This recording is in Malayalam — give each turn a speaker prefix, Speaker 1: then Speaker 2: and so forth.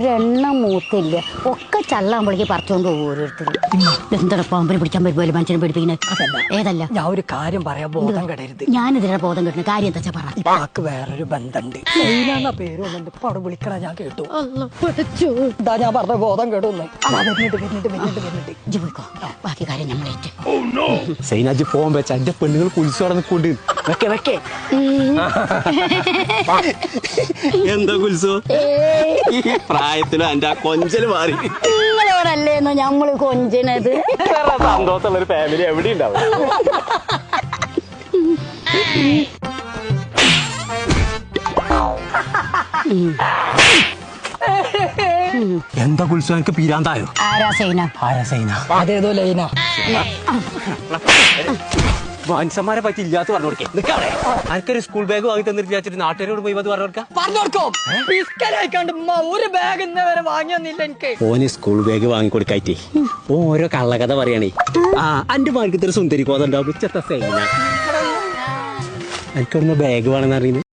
Speaker 1: ഒരെണ്ണം മൂത്തില്ല. ഒക്കെ ചള്ളാകുമ്പോഴേക്ക് പറിച്ചോണ്ട് പോകും ഓരോരുത്തർ. എന്താണ് പാമ്പിനെ പിടിക്കാൻ പറ്റുമല്ലോ മനുഷ്യനെ പിടിപ്പിക്കുന്നത്? ഏതല്ല
Speaker 2: ഞാൻ ഒരു കാര്യം പറയാം, ബോധം കെടരുത്.
Speaker 1: ഞാനിതിനെ ബോധം കിട്ടുന്ന കാര്യം എന്താ പറ.
Speaker 2: ഇപ്പാക്ക് വേറൊരു ബന്ധമുണ്ട്. എന്ന പേര് വന്നിട്ട് ഇപ്പൊ അവിടെ വിളിക്കണ ഞാൻ കേട്ടു. ഇതാ ഞാൻ പറഞ്ഞ ബോധം കേട്ടൊന്ന്.
Speaker 1: പോയിക്കോ, ബാക്കി കാര്യം നമ്മളേറ്റ്.
Speaker 3: സൈനാജ് ഫോൺ വെച്ച എന്റെ പെണ്ണുങ്ങൾ കുളിച്ചോടെ നിൽക്കൊണ്ട് എന്താ കുൽസോ ഈ പ്രായത്തിലും എന്റെ ആ കൊഞ്ചല് മാറി.
Speaker 1: നിങ്ങളോടല്ലേന്നോ ഞമ്മള് കൊഞ്ചിനത്?
Speaker 3: സന്തോഷമുള്ള ഒരു ഫാമിലി എവിടെ ഉണ്ടാവും. എന്താ കുൽസോ എനിക്ക് പീരാന്തായോ?
Speaker 1: ആരാ സൈന?
Speaker 2: അതേതോ ലൈന.
Speaker 3: മനുഷ്യന്മാരെ പറ്റി ഇല്ലാത്ത പറഞ്ഞു കൊടുക്കേ. നിക്കവിടെ എനിക്കൊരു സ്കൂൾ ബാഗ് വാങ്ങി തന്നിട്ട് വിചാരിച്ചിട്ട് നാട്ടുകാരോട് പോയി അത് പറഞ്ഞു കൊടുക്കാം.
Speaker 2: ഒരു ബാഗ് ഇന്ന് വരെ വാങ്ങിയൊന്നില്ല എനിക്ക്.
Speaker 3: ഓന് സ്കൂൾ ബാഗ് വാങ്ങി കൊടുക്കായിട്ടേ ഓരോ കള്ളകഥ പറയണേ. ആ എന്റെ മാർക്കത്തൊരു സുന്ദരി കോതുണ്ടാവും. എനിക്കൊന്ന് ബാഗ് വേണമെന്ന് അറിയുന്നത്.